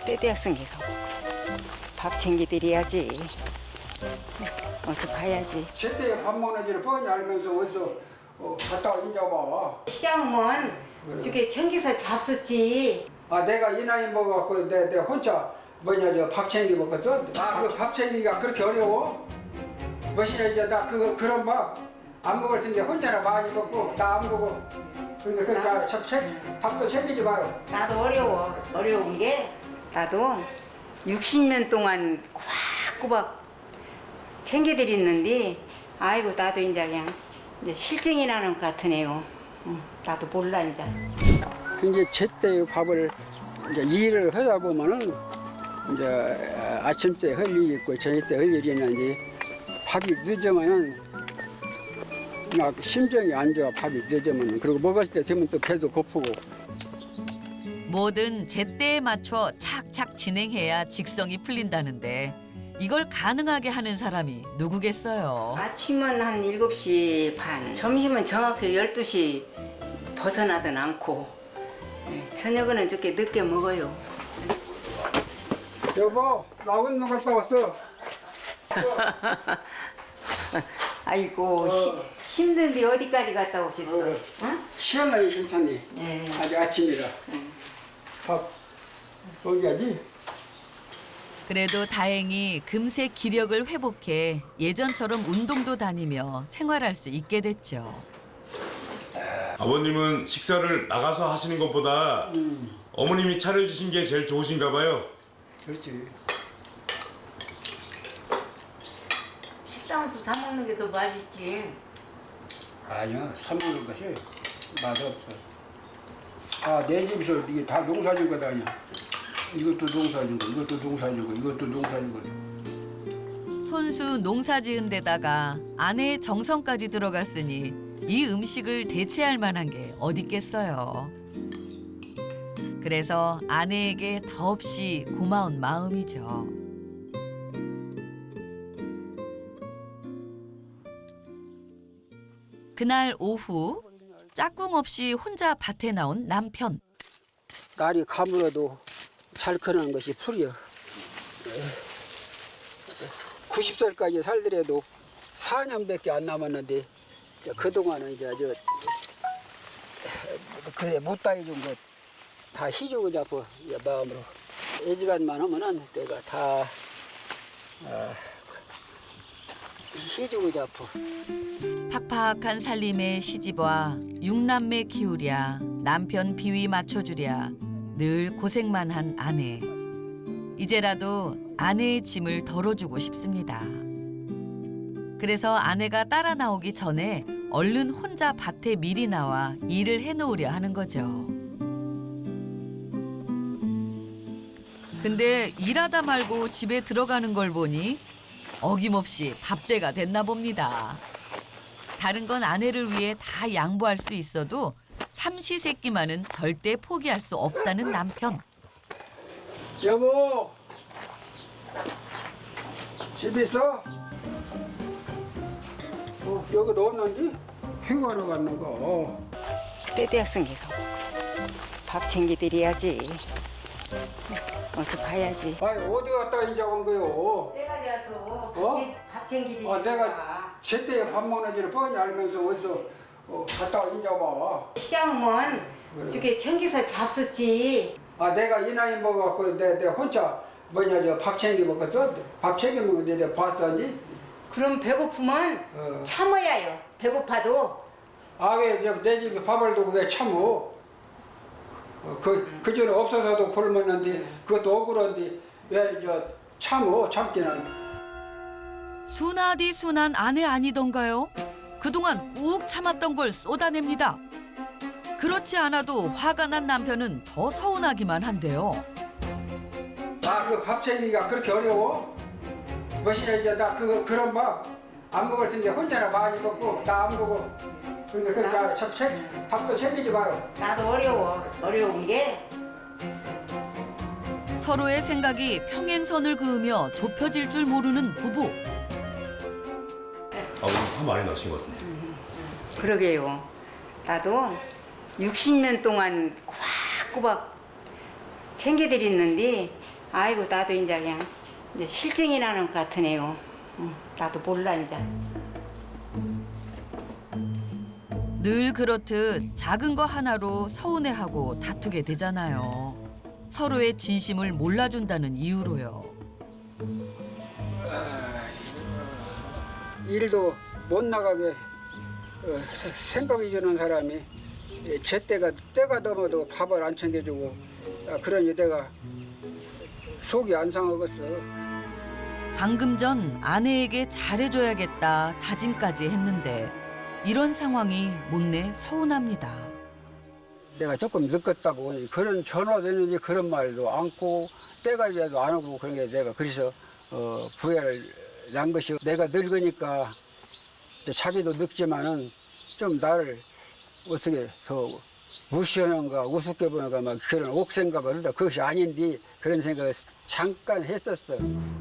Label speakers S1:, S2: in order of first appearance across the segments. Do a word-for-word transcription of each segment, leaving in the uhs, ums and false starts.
S1: 때 되었으니까 밥 챙기드려야지. 어서 가야지.
S2: 제때 밥 먹는지를 뻔히 알면서 어디서 어, 갔다 와 인자 봐.
S1: 시장은 저게 챙겨서 잡숫지.
S2: 아 내가 이 나이 먹어갖고 내, 내 혼자 뭐냐 저 밥 챙기 먹었어. 아 그 밥 챙기기가 그렇게 어려워? 뭐시냐 이제 나 그거 그런 밥 안 먹을 텐데 혼자나 많이 먹고 나 안 먹어. 그러니까 그러니까 참 챙- 밥도 챙기지 마요.
S1: 나도 어려워. 어려운 게 나도 육십 년 동안 꼬박꼬박 챙겨드렸는데 아이고 나도 이제 그냥 이제 실증이 나는 것 같으네요. 응, 나도 몰라 이제.
S2: 이제 제때 밥을 이제 일을 하다 보면은 이제 아침 때 할 일이 있고 저녁 때 할 일이 있는데 밥이 늦으면은 막 심정이 안 좋아. 밥이 늦으면은. 그리고 먹을 때 되면 또 배도 고프고.
S3: 뭐든 제때에 맞춰 착착 진행해야 직성이 풀린다는데 이걸 가능하게 하는 사람이 누구겠어요.
S1: 아침은 한 일곱 시 반, 점심은 정확히 열두 시 벗어나든 않고 예, 저녁은 저렇게 늦게 먹어요.
S2: 여보, 나 운동 갔다 왔어.
S1: 아이고
S2: 어.
S1: 시, 힘든데 어디까지 갔다 오셨어?
S2: 어.
S1: 응?
S2: 시원하게 괜찮니?
S1: 네.
S2: 아직 아침이라.
S1: 응.
S2: 밥 먹여야지.
S3: 그래도 다행히 금세 기력을 회복해 예전처럼 운동도 다니며 생활할 수 있게 됐죠.
S4: 아버님은 식사를 나가서 하시는 것보다
S2: 음,
S4: 어머님이 차려주신 게 제일 좋으신가 봐요.
S2: 그렇지.
S1: 식당에서 사 먹는 게 더 맛있지.
S2: 아니야, 사 먹는 것이 맛없어. 아, 내 집에서 이게 다 농사진 거다 아니야. 이것도 농사진 거, 이것도 농사진 거, 이것도 농사진 거.
S3: 손수 농사 지은 데다가 아내의 정성까지 들어갔으니 이 음식을 대체할 만한 게 어딨겠어요. 그래서 아내에게 더없이 고마운 마음이죠. 그날 오후 짝꿍 없이 혼자 밭에 나온 남편.
S2: 날이 가물어도 잘 크는 것이 풀이야. 구십 살까지 살더라도 사 년밖에 안 남았는데 그동안은 이제 저 그래 못다 해준 것 다 희주고 잡고 마음으로 애지간만 하면은 내가 다 어, 희주고 잡고.
S3: 팍팍한 살림에 시집와 육남매 키우랴 남편 비위 맞춰주랴 늘 고생만 한 아내. 이제라도 아내의 짐을 덜어주고 싶습니다. 그래서 아내가 따라 나오기 전에 얼른 혼자 밭에 미리 나와 일을 해놓으려 하는 거죠. 근데 일하다 말고 집에 들어가는 걸 보니 어김없이 밥대가 됐나 봅니다. 다른 건 아내를 위해 다 양보할 수 있어도 삼시세끼만은 절대 포기할 수 없다는 남편.
S2: 여보, 집 있어? 어, 여기도 없는지? 휴가로 갔는 거.
S1: 때 되었으니까 밥 챙기드려야지. 어서 가야지.
S2: 아니 어디 갔다 이제 온 거요?
S1: 때가 되어서
S2: 어?
S1: 밥 챙기드리니까.
S2: 아 내가 제때 밥 먹는지를 뻔히 알면서 어디서 어, 갔다 와 인자 봐.
S1: 시장은 저게 챙겨서 잡숫지.
S2: 아 내가 이 나이 먹어갖고 내, 내 혼자 뭐냐 저 밥 챙기 먹었어? 밥 챙겨 먹는데 내가 봤었니?
S1: 그럼 배고프면
S2: 어.
S1: 참아야 해요. 배고파도.
S2: 아 왜 내 집에 밥을 두고 왜 참어? 어, 그, 그 전에 없어서도 굶었는데 그것도 억울한데 왜 저 참어 참기는.
S3: 순하디 순한 아내 아니던가요? 그동안 꾹 참았던 걸 쏟아냅니다. 그렇지 않아도 화가 난 남편은 더 서운하기만 한데요.
S2: 아 그 밥 챙기기가 그렇게 어려워? 뭐시냐 이제 나 그 그런 밥 안 먹을 텐데 혼자나 많이 먹고 나 안 먹어. 그러니까 그러니까 참 챙- 밥도 챙기지 마요.
S1: 나도 어려워. 어려운 게
S3: 서로의 생각이 평행선을 그으며 좁혀질 줄 모르는 부부.
S4: 아버님 화 많이 나신 것 같은데.
S1: 그러게요. 나도 육십 년 동안 꼬박꼬박 챙겨드렸는데 아이고 나도 이제 그냥 이제 실증이 나는 것 같으네요. 응, 나도 몰라 이제.
S3: 늘 그렇듯 작은 거 하나로 서운해하고 다투게 되잖아요. 서로의 진심을 몰라준다는 이유로요.
S2: 일도 못 나가게 어, 세- 생각이 주는 사람이 제때가 때가 넘어도 밥을 안 챙겨주고 아, 그러니 내가 속이 안 상하겠어.
S3: 방금 전 아내에게 잘해줘야겠다 다짐까지 했는데 이런 상황이 못내 서운합니다.
S2: 내가 조금 늦었다고 그런 전화도 했는지 그런 말도 않고 때가 돼도 안 오고 그런 게 내가 그래서 어, 부회를 난 것이 내가 늙으니까 이제 자기도 늙지만은 좀 나를 어떻게 더 무시하는가 우습게 보는가 막 그런 옥생각을 한다. 그것이 아닌데 그런 생각을 잠깐 했었어.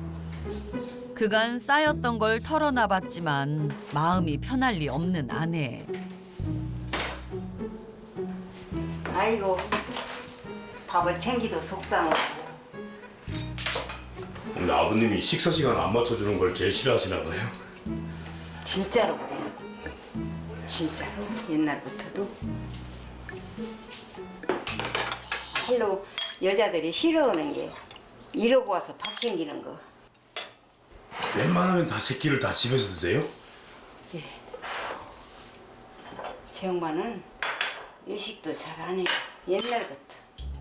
S3: 그간 쌓였던 걸 털어놔봤지만 마음이 편할 리 없는 아내.
S1: 아이고 밥을 챙기도 속상하고.
S4: 근데 아버님이 식사 시간 안 맞춰주는 걸 제일 싫어하시나 봐요.
S1: 진짜로 그래. 진짜로 옛날부터도. 헬로 여자들이 싫어하는 게 이러고 와서 밥 챙기는 거.
S4: 웬만하면 다 새끼를 다 집에서 드세요?
S1: 예. 제 엄마는 외식도 잘 안 해요. 옛날부터.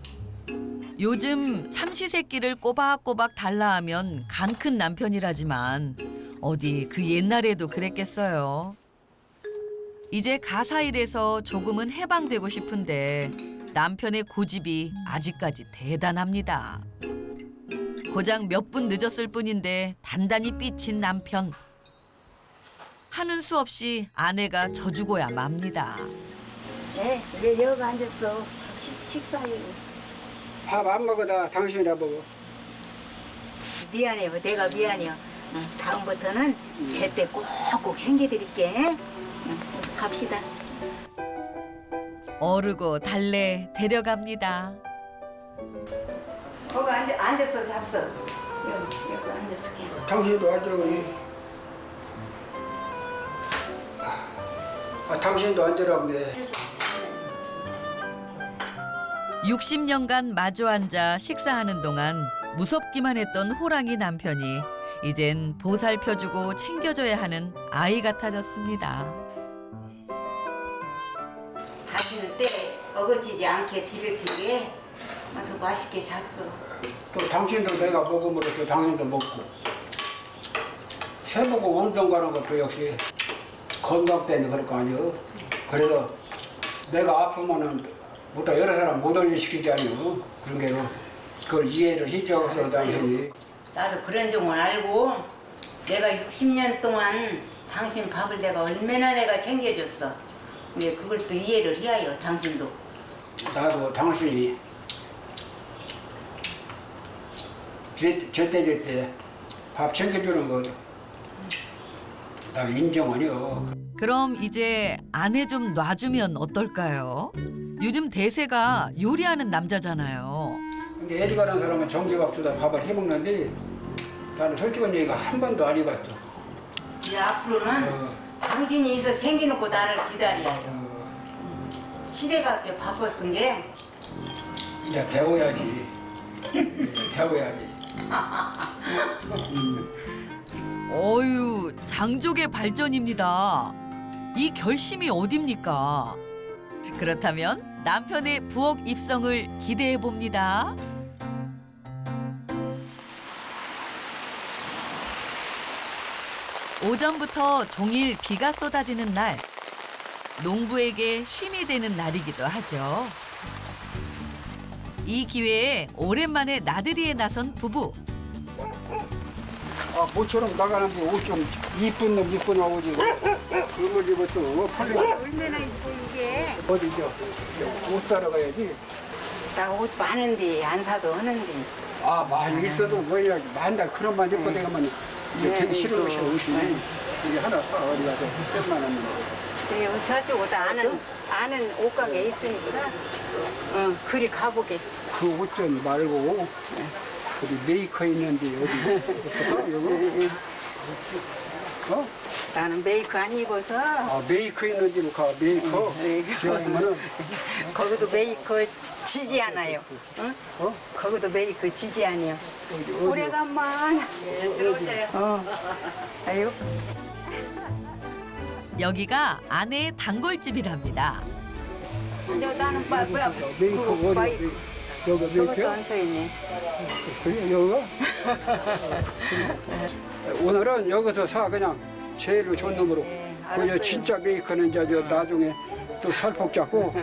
S3: 요즘 삼시세끼를 꼬박꼬박 달라 하면 간 큰 남편이라지만 어디 그 옛날에도 그랬겠어요. 이제 가사일에서 조금은 해방되고 싶은데 남편의 고집이 아직까지 대단합니다. 고작 몇 분 늦었을 뿐인데 단단히 삐친 남편. 하는 수 없이 아내가 져주고야 맙니다.
S1: 네, 왜 여기 앉았어? 식, 식사해.
S2: 밥 안 먹어다 당신이나 먹어.
S1: 미안해요. 내가 미안해요. 응, 다음부터는 제때 꼭꼭 챙겨드릴게. 응, 갑시다.
S3: 어르고 달래 데려갑니다.
S1: 거기 앉아, 앉아서 잡숴. 여기, 여기 앉아서 그냥.
S2: 당신도 앉아 그래. 아, 당신도 앉으라고 해.
S3: 육십 년간 마주 앉아 식사하는 동안 무섭기만 했던 호랑이 남편이 이젠 보살펴주고 챙겨줘야 하는 아이 같아졌습니다.
S1: 다시는 때 어거지지 않게 뒤를 뒤게 와서 맛있게 잡숴.
S2: 또 당신도 내가 먹음으로써 당신도 먹고 새보고 운동 가는 것도 역시 건강 때문에 그럴 거 아니에요. 그래서 내가 아프면은 보다 여러 사람 못 올리시키지 아니에요. 그런 게 그걸 이해를 해줘서 당신이.
S1: 나도 그런 종은 알고 내가 육십 년 동안 당신 밥을 내가 얼마나 내가 챙겨줬어. 근데 그걸 또 이해를 해야 해요. 당신도.
S2: 나도 당신이 제- 제때 제때 밥 챙겨주는 거 나 인정하니요.
S3: 그럼 이제 아내 좀 놔주면 어떨까요? 요즘 대세가 요리하는 남자잖아요.
S2: 근데 애지가는 사람은 전기밥솥에 밥을 해먹는데 나는 솔직한 얘기가 한 번도 안 해봤죠.
S1: 이제 앞으로는
S2: 어,
S1: 당신이 있어 챙겨놓고 나를 기다려야 해요.
S2: 어,
S1: 시대가 그렇게 바빴은 게
S2: 이제 배워야지. 이제 배워야지.
S3: 어유 장족의 발전입니다. 이 결심이 어딥니까? 그렇다면 남편의 부엌 입성을 기대해 봅니다. 오전부터 종일 비가 쏟아지는 날, 농부에게 쉼이 되는 날이기도 하죠. 이 기회에 오랜만에 나들이에 나선 부부.
S2: 아, 모처럼 나가는데 옷 좀 이쁜 놈 입고 나오지. 그걸 입었어. 팔리
S1: 얼마나 이뻐 이게.
S2: 어디 이제 옷 사러 가야지.
S1: 나 옷 많은데 안 사도 하는데.
S2: 아, 많이 있어도 뭐야. 만날 그런 만 입고 내가면 이제
S1: 네,
S2: 되게 싫은
S1: 이거.
S2: 옷이 옷이. 이게 하나 사 어디 가서 잼만 하면.
S1: 네, 저쪽 옷 아는 아는 옷가게 있으니까. 응, 그리 가보게.
S2: 그 옷 좀 말고 어디 메이커 있는데 어디 어떡하 여기? 어?
S1: 나는 메이커 안 입어서
S2: 아 메이커 있는 데로 가 메이커. 기왕이면은
S1: 거기도 메이커 지지 않아요. 응?
S2: 어?
S1: 거기도 메이커 지지 않아요.
S2: 어디 어디?
S1: 오래간만. 들어오세요. 어. 아유.
S3: 여기가 아내의 단골집이랍니다.
S1: 저 나는 빠 뭐야?
S2: 메이커 어디?
S1: 바이-
S2: 여기
S1: 저것도
S2: 메이커?
S1: 안 서 있네.
S2: 그래 여기가? 오늘은 여기서 사 그냥 제일 좋은 놈으로.
S1: 네,
S2: 그저
S1: 알았어요.
S2: 진짜 메이커는 이제 저 나중에 또 살폭 잡고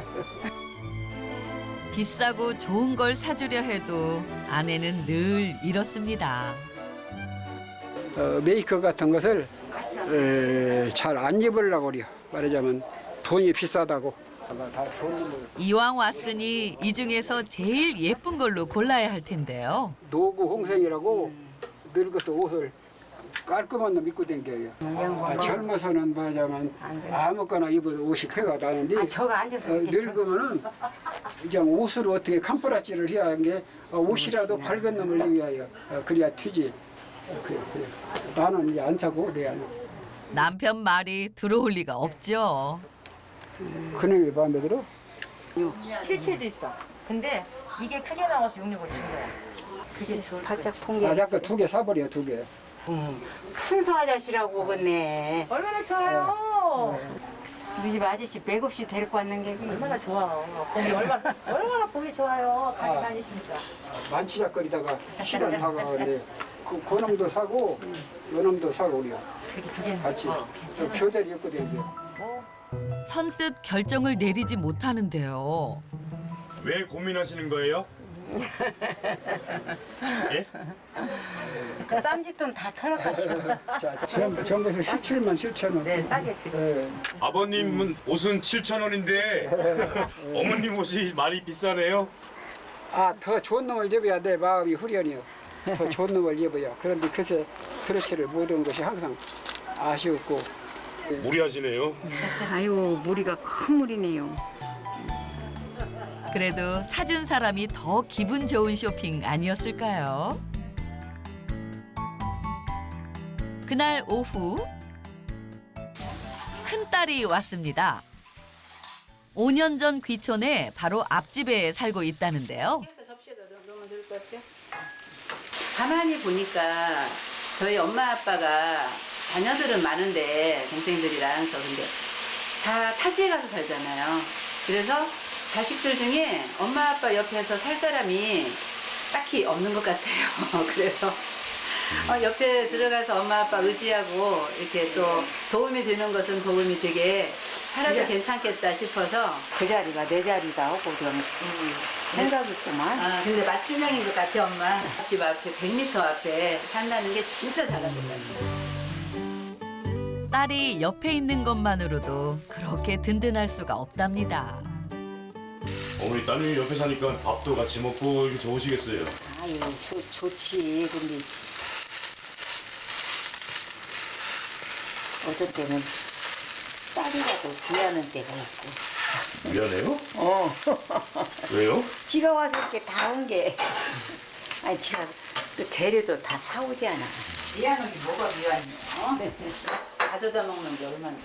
S3: 비싸고 좋은 걸 사주려 해도 아내는 늘 이렇습니다.
S2: 어, 메이커 같은 것을 잘 안 입으려고 그래요. 말하자면 돈이 비싸다고. 다 좋은 놈을.
S3: 이왕 왔으니 이 중에서 제일 예쁜 걸로 골라야 할 텐데요.
S2: 노구 홍생이라고 늙어서 옷을 깔끔한 놈 입고 댕겨요. 아, 젊어서는 말하자면 아무거나 입어도 옷이 쾌가 나는데
S1: 아, 저거 앉아서
S2: 어,
S1: 이렇게
S2: 늙으면은 이제 옷을 어떻게 캄프라지를 해야 하는 게 어, 옷이라도 밝은 놈을 입어야 해요. 어, 그래야 튀지. 어, 그래, 그래. 나는 이제 안 사고 내 안에.
S3: 남편 말이 들어올 리가 없죠.
S2: 그놈이 마음에 들어?
S5: 칠칠도 있어. 근데 이게 크게 나와서 육육을 친 거야. 그게 좋을 거야.
S1: 바짝 통계.
S2: 아, 잠깐 두 개 사버려 두 개.
S1: 순서 아저씨라고 그네.
S5: 얼마나 좋아요.
S1: 우리 집 아저씨 맥없이 데리고 왔는 게
S5: 얼마나 좋아. 보기 얼마나 얼마나 보기 좋아요. 같이
S2: 아.
S5: 다니시니까.
S2: 만치작거리다가 시간 다가가는데 그 고놈도 사고 요놈도 사고 그래요.
S1: 그렇게 두 개는
S2: 같이 저 교대를 입고 다니요.
S3: 선뜻 결정을 내리지 못하는데요.
S4: 왜 고민하시는 거예요? 예?
S1: 그 쌈짓돈 다 털었다 싶어.
S2: 자, 자, 전- 전국에서 십칠만 칠천 원.
S5: 네, 싸게 드려.
S2: 예.
S4: 아버님은 옷은 칠천 원인데 어머님 옷이 많이 비싸네요.
S2: 아, 더 좋은 놈을 입어야 내 마음이 후련해요. 더 좋은 놈을 입어야. 그런데 그새 그렇지를 못한 것이 항상 아쉬웠고.
S4: 무리하시네요.
S1: 아유 무리가 큰 무리네요.
S3: 그래도 사준 사람이 더 기분 좋은 쇼핑 아니었을까요? 그날 오후 큰딸이 왔습니다. 오 년 전 귀촌에 바로 앞집에 살고 있다는데요.
S6: 가만히 보니까 저희 엄마 아빠가 자녀들은 많은데 동생들이랑 저 근데 다 타지에 가서 살잖아요. 그래서 자식들 중에 엄마 아빠 옆에서 살 사람이 딱히 없는 것 같아요. 그래서 어, 옆에 들어가서 엄마 아빠 의지하고 이렇게 또 도움이 되는 것은 도움이 되게 살아도 괜찮겠다 싶어서
S1: 그 자리가 내 자리다 하고 좀 생각이 있구만.
S6: 아, 근데 맞춤형인 것 같아, 엄마. 집 앞에 백 미터 앞에 산다는 게 진짜 잘한 것 같아.
S3: 딸이 옆에 있는 것만으로도 그렇게 든든할 수가 없답니다.
S4: 어머니 따님이 옆에 사니까 밥도 같이 먹고 이렇게 좋으시겠어요.
S1: 아유 좋, 좋지. 근데 어떨 때는 딸이라도 귀하는 때가 있고.
S4: 미안해요?
S1: 어.
S4: 왜요?
S1: 지가 와서 이렇게 다 온 게. 아니 제가 그 재료도 다 사오지 않아.
S6: 미안한 게 뭐가 미안해요? 가져다 먹는 게 얼만데.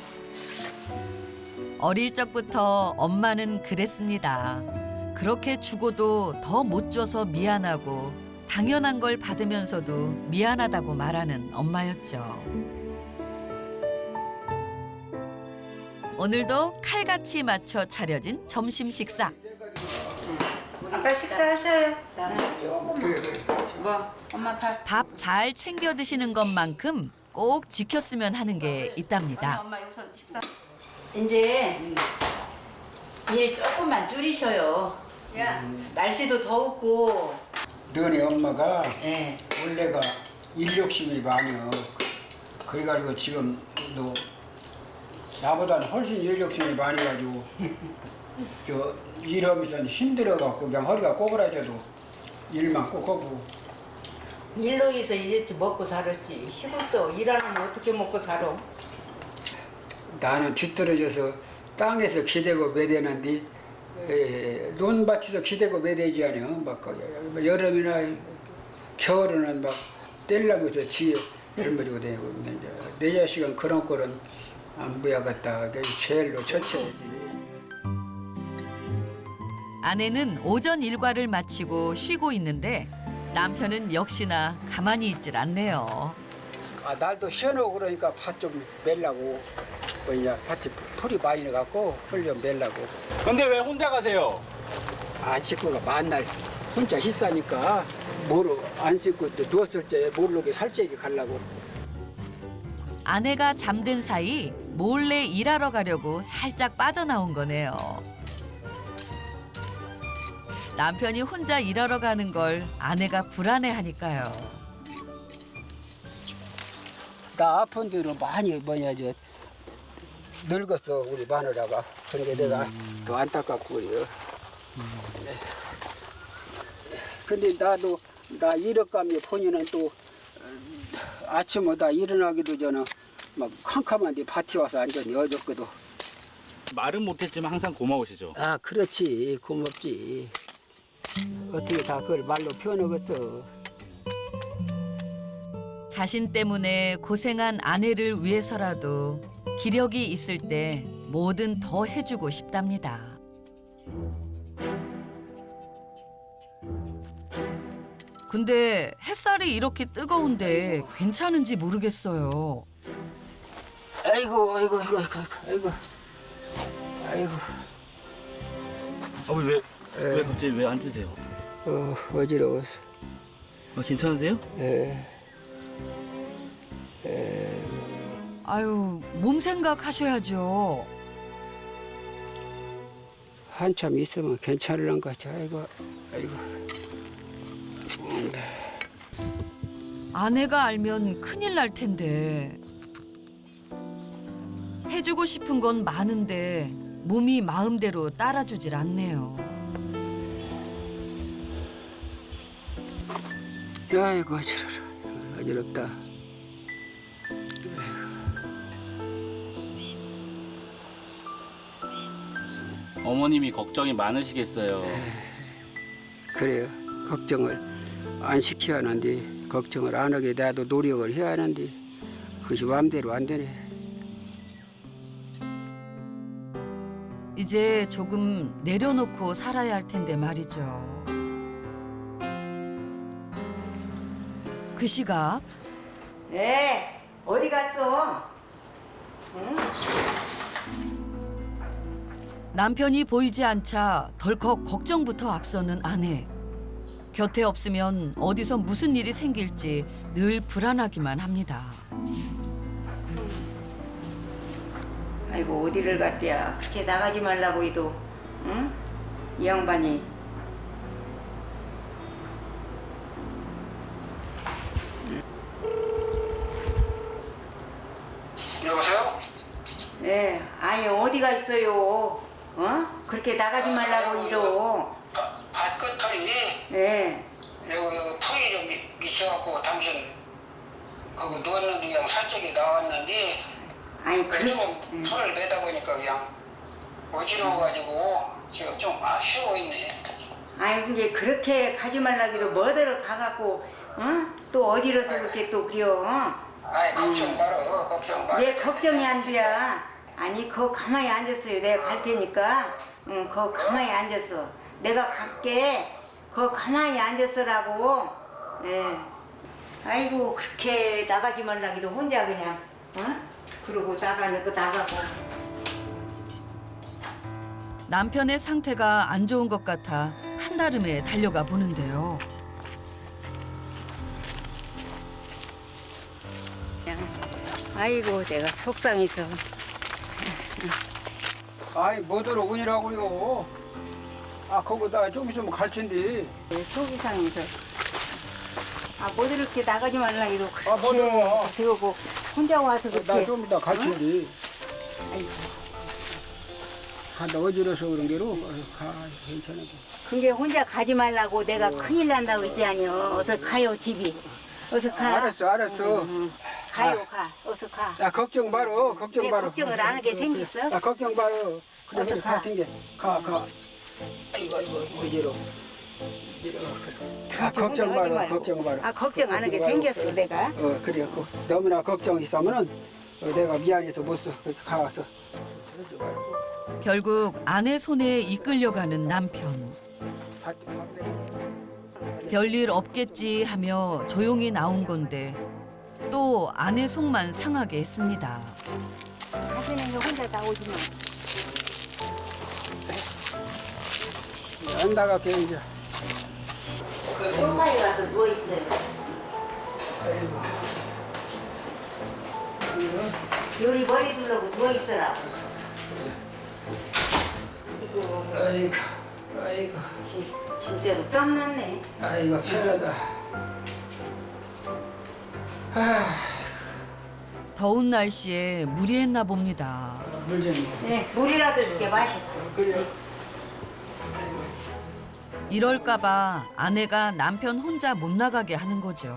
S3: 어릴 적부터 엄마는 그랬습니다. 그렇게 주고도 더 못 줘서 미안하고 당연한 걸 받으면서도 미안하다고 말하는 엄마였죠. 오늘도 칼같이 맞춰 차려진 점심 식사.
S6: 아빠 식사하셔요. 뭐 엄마 밥.
S3: 밥 잘 챙겨 드시는 것만큼 꼭 지켰으면 하는 게 있답니다.
S6: 엄마 우선 식사. 이제 일 조금만 줄이셔요. 야, 날씨도 더웠고.
S2: 너네 엄마가
S6: 예.
S2: 원래가 일 욕심이 많이요. 그래가지고 지금 너 나보다는 훨씬 일 욕심이 많이 가지고 저 일하면서 힘들어갖고 그냥 허리가 꼬부라져도 일만 꼭 하고.
S1: 일로 해서 이렇게 먹고 살았지. 시골서 일하면 어떻게 먹고 살아?
S2: 나는 뒤떨어져서 땅에서 기대고 매대는데 에, 논밭에서 기대고 매대지 않아요. 막 그 여름이나 겨울에는 막 떼려고 저 지에 얼마지고 되고 근데 이제 내 자식은 그런 꼴은 안 보야겠다. 그 제일로 처치해야지.
S3: 아내는 오전 일과를 마치고 쉬고 있는데 남편은 역시나 가만히 있질 않네요.
S2: 아 날도 시원하고 그러니까 밭 좀 멜라고 뭐냐 밭이 풀이 많이 나갖고 풀 좀 멜라고.
S7: 근데 왜 혼자 가세요?
S2: 안 씻고가 만날 혼자 희싸니까 뭐로 안 씻고 또 누웠을 때 모르게 살찌게 가려고.
S3: 아내가 잠든 사이 몰래 일하러 가려고 살짝 빠져나온 거네요. 남편이 혼자 일하러 가는 걸 아내가 불안해하니까요.
S2: 나 아픈 뒤로 많이 뭐냐 저 늙었어 우리 마누라가. 그러니까 내가 더 안타깝고 그래요. 근데 나도 나 일억감이 본인은 또 아침마다 일어나기도 전에 막 캄캄한데 밭에 와서 앉았니 어저께도.
S7: 말은 못했지만 항상 고마우시죠?
S2: 아 그렇지 고맙지. 어떻게 다 그걸 말로 표현하겠어.
S3: 자신 때문에 고생한 아내를 위해서라도 기력이 있을 때 뭐든 더 해주고 싶답니다. 근데 햇살이 이렇게 뜨거운데 괜찮은지 모르겠어요.
S2: 아이고 아이고 아이고 아이고 아이고.
S7: 아버지 왜, 왜 갑자기 왜 앉으세요?
S2: 어 어지러워서.
S7: 아, 괜찮으세요?
S2: 예.
S3: 아유, 몸 생각하셔야죠.
S2: 한참 있으면 괜찮을란 거지. 아이고 아이고.
S3: 아내가 알면 큰일 날 텐데. 해주고 싶은 건 많은데 몸이 마음대로 따라주질 않네요.
S2: 아이고 어지러워. 어지럽다.
S7: 어머님이 걱정이 많으시겠어요.
S2: 그래요. 걱정을 안 시켜야 하는데 걱정을 안 하게 나도 노력을 해야 하는데 그것이 마음대로 안 되네.
S3: 이제 조금 내려놓고 살아야 할 텐데 말이죠. 그 시각
S1: 네, 어디 갔어? 응?
S3: 남편이 보이지 않자 덜컥 걱정부터 앞서는 아내. 곁에 없으면 어디서 무슨 일이 생길지 늘 불안하기만 합니다.
S1: 아이고 어디를 갔대야. 그렇게 나가지 말라고 해도 응? 이 양반이.
S2: 여보세요?
S1: 네, 아니 어디가 있어요? 어? 그렇게 나가지 말라고 해도.
S8: 밭끝털이
S1: 네.
S8: 여기, 여기 풀이 좀 있- 있어갖고 당신 거기 누웠는데 그냥 살짝이 나왔는데
S1: 아니 그.
S8: 지금
S1: 응.
S8: 풀을 내다 보니까 그냥 어지러워가지고 지금 좀 아쉬워 있네.
S1: 아니 근데 그렇게 가지 말라고 해도 뭐대로 가갖고 응? 또 어디로서 그렇게 또 그려.
S8: 아이 걱정 말어 걱정 말어.
S1: 내 걱정이 안 돼. 아니 거 가만히 앉았어요. 내가 갈 테니까. 응, 거 가만히 앉았어. 내가 갈게. 거 가만히 앉았으라고. 예. 아이고 그렇게 나가지 말라고 해도 혼자 그냥 응? 그러고 나가는 거 나가고.
S3: 남편의 상태가 안 좋은 것 같아 한달음에 달려가 보는데요.
S1: 그냥 아이고 내가 속상해서.
S2: 아이 뭐들 오니라고요. 아 거기다 좀 있으면 갈 텐데.
S1: 네, 속이 상해서. 아, 뭐 이렇게 나가지 말라 이러고
S2: 아, 뭐 들어와.
S1: 그렇게 들고 혼자 와서 그렇게.
S2: 나 좀 이따 갈
S1: 응?
S2: 텐데.
S1: 아이고,
S2: 한다 어지러서 그런 게로 가 괜찮아.
S1: 그게 혼자 가지 말라고 내가 큰일 난다고 했지 아니요. 어서 가요 집이. 어서 가.
S2: 알았어 알았어.
S1: 응, 가요 가. 어서 가.
S2: 야 걱정 말어 걱정
S1: 내
S2: 말어.
S1: 걱정을 안 하게 생겼어?
S2: 야 걱정 말어. 그래
S1: 어서
S2: 그래
S1: 가.
S2: 갈 텐데 가 가. 아이고 아이고 어지러. 아, 걱정
S1: 혼자 하지
S2: 마라,
S1: 말고.
S2: 걱정 마라.
S1: 아 걱정 안 하게 생겼어 내가.
S2: 어, 그래. 그, 너무나 걱정 있으면은 어, 내가 미안해서 못 써. 가서.
S3: 결국 아내 손에 이끌려가는 남편. 별일 없겠지 하며 조용히 나온 건데 또 아내 속만 상하게 했습니다.
S1: 다시는 이거 혼자 나오지 마.
S2: 안 나갈게 이제.
S1: 소파에 가서 누워 있어요. 요리 머리 둘러고 누워 있더라고.
S2: 아이고, 아이고,
S1: 진, 진짜로 땀났네.
S2: 아이고 편하다. 아,
S3: 더운 날씨에 무리했나 봅니다.
S2: 물좀
S1: 네, 물이라도 줄게 마셔.
S2: 그래.
S3: 이럴까봐 아내가 남편 혼자 못 나가게 하는 거죠.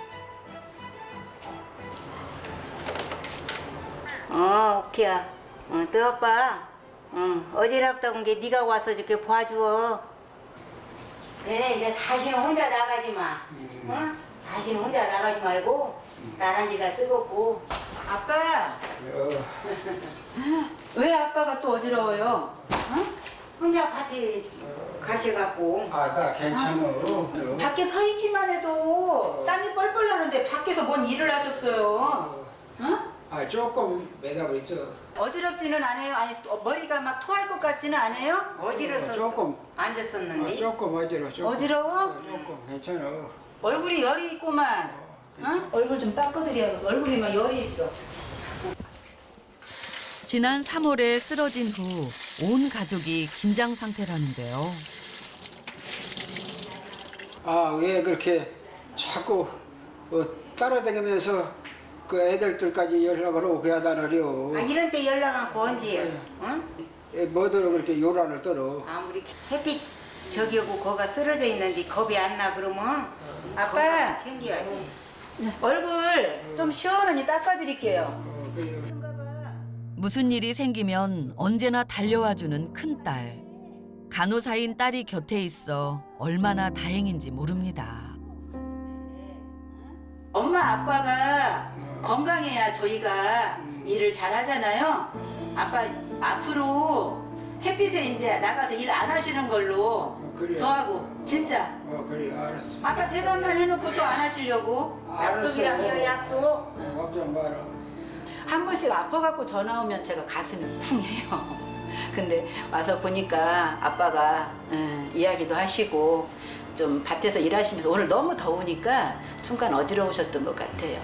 S1: 어, 오케이야. 어, 너 아빠. 어, 어지럽다 온 게 네가 와서 이렇게 봐주어. 네, 이제 다시는 혼자 나가지 마. 어? 다시는 혼자 나가지 말고 나란히라 뜨겁고.
S5: 아빠,
S2: 어,
S5: 왜 아빠가 또 어지러워요?
S1: 혼자 밭에 가셔갖고.
S2: 아, 나 괜찮아. 어.
S5: 밖에 서 있기만 해도 땀이 뻘뻘 나는데 밖에서 뭔 일을 하셨어요? 응?
S2: 아, 조금 매다고 있어.
S5: 어지럽지는 않아요? 아니 또 머리가 막 토할 것 같지는 않아요?
S1: 어지러서
S2: 어, 조금.
S1: 앉았었는데.
S2: 아, 조금 어지러워. 조금.
S5: 어지러워?
S2: 어, 조금 괜찮아.
S5: 얼굴이 열이 있구만. 응? 얼굴 좀 닦아드려야겠어. 얼굴이 막 열이 있어.
S3: 지난 삼월에 쓰러진 후 온 가족이 긴장 상태라는데요.
S2: 아, 왜 그렇게 자꾸 어, 따라다니면서 그 애들들까지 연락을 오게 하다느려.
S1: 아, 이런 때 연락하고 언제요? 응?
S2: 예, 뭐더러 그렇게 요란을 떨어.
S1: 아무리 햇빛 저기 오고 거가 쓰러져 있는데 겁이 안 나 그러면
S5: 아빠.
S1: 건강 챙겨야지.
S5: 얼굴 좀 시원하니 닦아드릴게요.
S2: 어, 그래요.
S3: 무슨 일이 생기면 언제나 달려와주는 큰딸. 간호사인 딸이 곁에 있어 얼마나 다행인지 모릅니다.
S5: 엄마 아빠가 건강해야 저희가 일을 잘하잖아요. 아빠 앞으로 햇빛에 이제 나가서 일 안 하시는 걸로
S2: 그래요.
S5: 저하고 진짜
S2: 어, 그래, 알았어.
S5: 아빠 대답만 해놓고 또 안 하시려고
S1: 약속이랑요 약속.
S2: 어, 걱정 마라.
S5: 한 번씩 아파갖고 전화 오면 제가 가슴이 쿵해요. 근데 와서 보니까 아빠가 음, 이야기도 하시고 좀 밭에서 일하시면서 오늘 너무 더우니까 순간 어지러우셨던 것 같아요.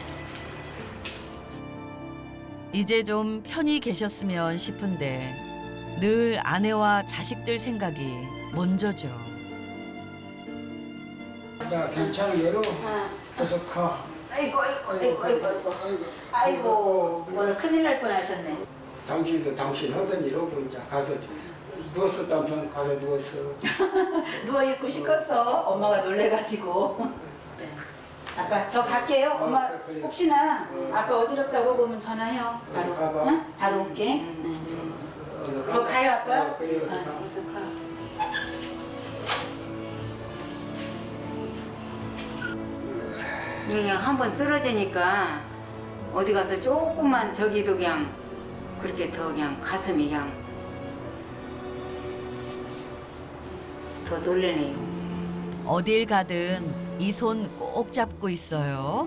S3: 이제 좀 편히 계셨으면 싶은데 늘 아내와 자식들 생각이 먼저죠.
S2: 나 괜찮은 게로 계속 가.
S5: 아이고 아이고 아이고 아이고 아이고
S2: 아이고.
S5: 아이고 오늘 큰일 날 뻔하셨네.
S2: 당신도 당신 하던 일 하고 이제 가서 누웠었다면 가서 누웠어.
S5: 누워 있고 싶었어. 엄마가 놀래가지고. 네. 아빠 저 갈게요. 엄마
S2: 어, 그래.
S5: 혹시나
S2: 어.
S5: 아빠 어지럽다고 보면 전화해요. 바로.
S2: 어서 가봐.
S5: 응? 바로 올게. 응.
S2: 어서
S5: 저
S2: 가.
S5: 가요 아빠.
S2: 어, 그래, 어서
S5: 응.
S2: 가.
S5: 어서 가.
S1: 그냥 한 번 쓰러지니까 어디 가서 조금만 저기도 그냥 그렇게 더 그냥 가슴이 그냥 더 놀래네요.
S3: 어딜 가든 이 손 꼭 잡고 있어요.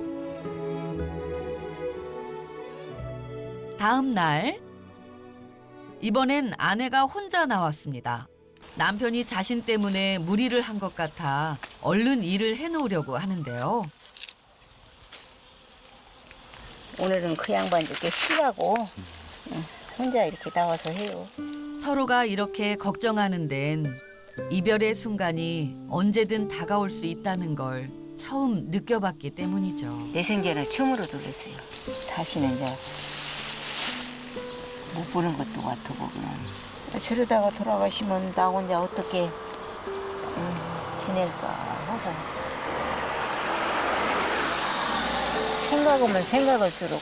S3: 다음 날 이번엔 아내가 혼자 나왔습니다. 남편이 자신 때문에 무리를 한 것 같아 얼른 일을 해놓으려고 하는데요.
S1: 오늘은 그 양반 이렇게 쉬라고 응, 혼자 이렇게 나와서 해요.
S3: 서로가 이렇게 걱정하는 데엔 이별의 순간이 언제든 다가올 수 있다는 걸 처음 느껴봤기 때문이죠.
S1: 내 생전을 처음으로 놀랐어요. 다시는 이제 못 보는 것도 같고 그냥 저러다가 돌아가시면 나 혼자 어떻게 음, 지낼까 하고 생각하면 생각할수록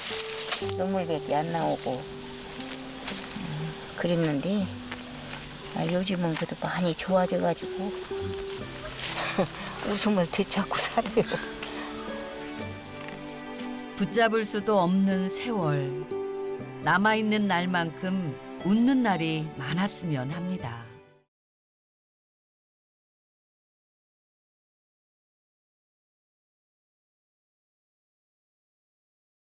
S1: 그냥 눈물밖에 안 나오고 음, 그랬는데 아, 요즘은 그래도 많이 좋아져가지고 웃음을 되찾고 살아요.
S3: 붙잡을 수도 없는 세월. 남아있는 날만큼 웃는 날이 많았으면 합니다.